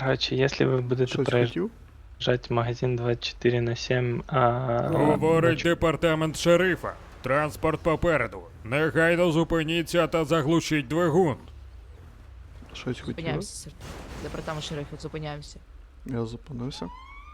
Короче, если вы будете Щось хотів? проезжать магазин 24/7, Говорить департамент шерифа. Транспорт попереду. Негайно зупиніться та заглушіть двигун. Щось хотів? Зупиняємося, сер. Департамент шерифу, зупиняємося. Я зупинився.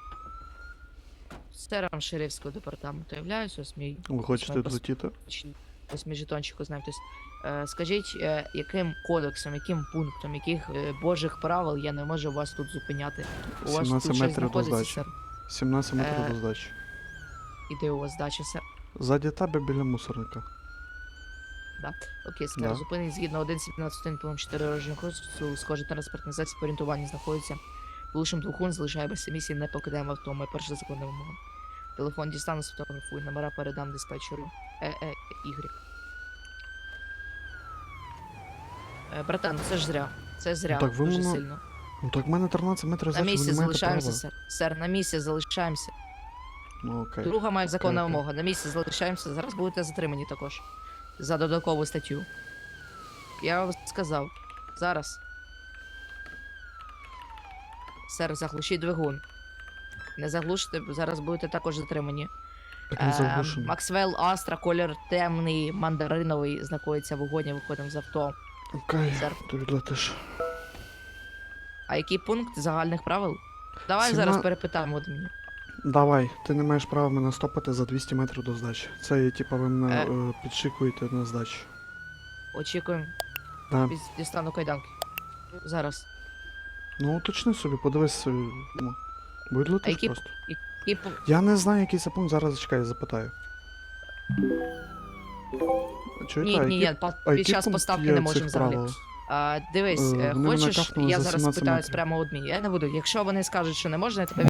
Сером шерифського департаменту являюсь, ось мій... Ви хочете злетіти? Ось мій жетончик ознайомтесь. Скажіть, яким кодексом, яким пунктом, яких божих правил я не можу вас тут зупиняти? У вас 17 тут щось метрів до знаходиться, здачі. сер? 17 метрів Е. до здачі. І де у вас здача, сер? Ззаді тебе біля мусорника. Да. Окей, сер. Да. Зупинить згідно 1.17 пункт 4 дорожнього кодексу, схожий транспортний засіб по орієнтуванню знаходиться. Глушим двигун, залишає без емісії, не покидаємо авто, моя перша законна вимога. Телефон дістану, сфотографую, номера передам диспетчеру. Y. Братан, це ж зря. Це зря, так ви дуже мене сильно. Ну так в мене 13 метрів На здачі, ви місці не маєте залишаємося, права. сер. Сер, на місці залишаємося. Ну окей. Друга моя законна окей. вимога. На місці залишаємося. Зараз будете затримані також. За додаткову статтю. Я вам сказав. Зараз. Сер, заглушіть двигун. Не заглушите, зараз будете також затримані. Так не заглушено. Максвелл Астра, колір темний, мандариновий, знаходиться в вогоні, виходимо з авто. Окей, Сер. ти відлетиш. А який пункт загальних правил? Давай Сіма- зараз перепитаємо от мені. Давай, ти не маєш права мене стопати за 200 метрів до здачі. Це є, типа, ви мене підшикуєте на здачі. Очікуємо. Да. Дістану кайданки. Зараз. Ну уточни собі, подивись. Будь А летиш які- просто. Який пункт? Я не знаю, який це пункт, зараз чекай, запитаю. Чуєте, Ні, а ні, який- ні, а під який час пункт поставки є не цих можемо взагалі. правил? Дивись, Вони мене хочеш, кафнули я за зараз 17 спитаюсь метрів. прямо у адміні. Я не буду. Якщо вони скажуть, що не можна, я тебе